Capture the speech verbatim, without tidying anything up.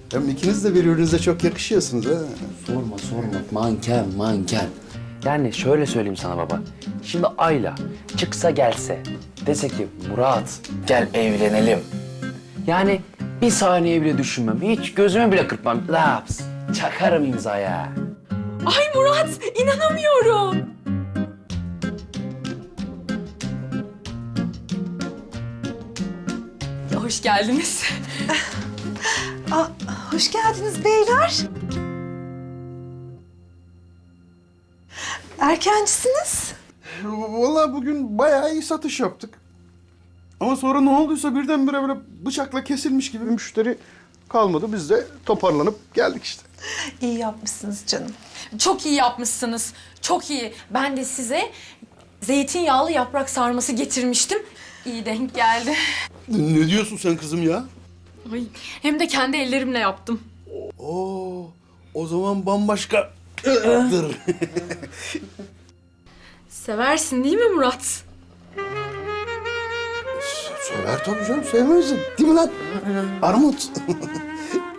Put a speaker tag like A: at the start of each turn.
A: Hem ikiniz de birbirinize çok yakışıyorsunuz ha.
B: Sorma sorma. Manken manken. Yani şöyle söyleyeyim sana baba. Şimdi Ayla çıksa gelse dese ki Murat gel evlenelim. Yani bir saniye bile düşünmem. Hiç gözümü bile kırpmam. Laps. Çakarım imzaya.
C: Ay Murat, inanamıyorum. Ya, hoş geldiniz.
D: Aa, hoş geldiniz beyler. Erkencisiniz.
A: Vallahi bugün bayağı iyi satış yaptık. Ama sonra ne olduysa birdenbire böyle bıçakla kesilmiş gibi müşteri kalmadı. Biz de toparlanıp geldik işte.
D: İyi yapmışsınız canım.
C: Çok iyi yapmışsınız. Çok iyi. Ben de size zeytinyağlı yaprak sarması getirmiştim. İyi denk geldi.
A: Ne diyorsun sen kızım ya?
C: Ay, hem de kendi ellerimle yaptım.
A: Oo, o zaman bambaşka. Dır.
C: Seversin değil mi Murat?
A: Sever tabii canım, sevmezsin. Değil mi lan? Armut.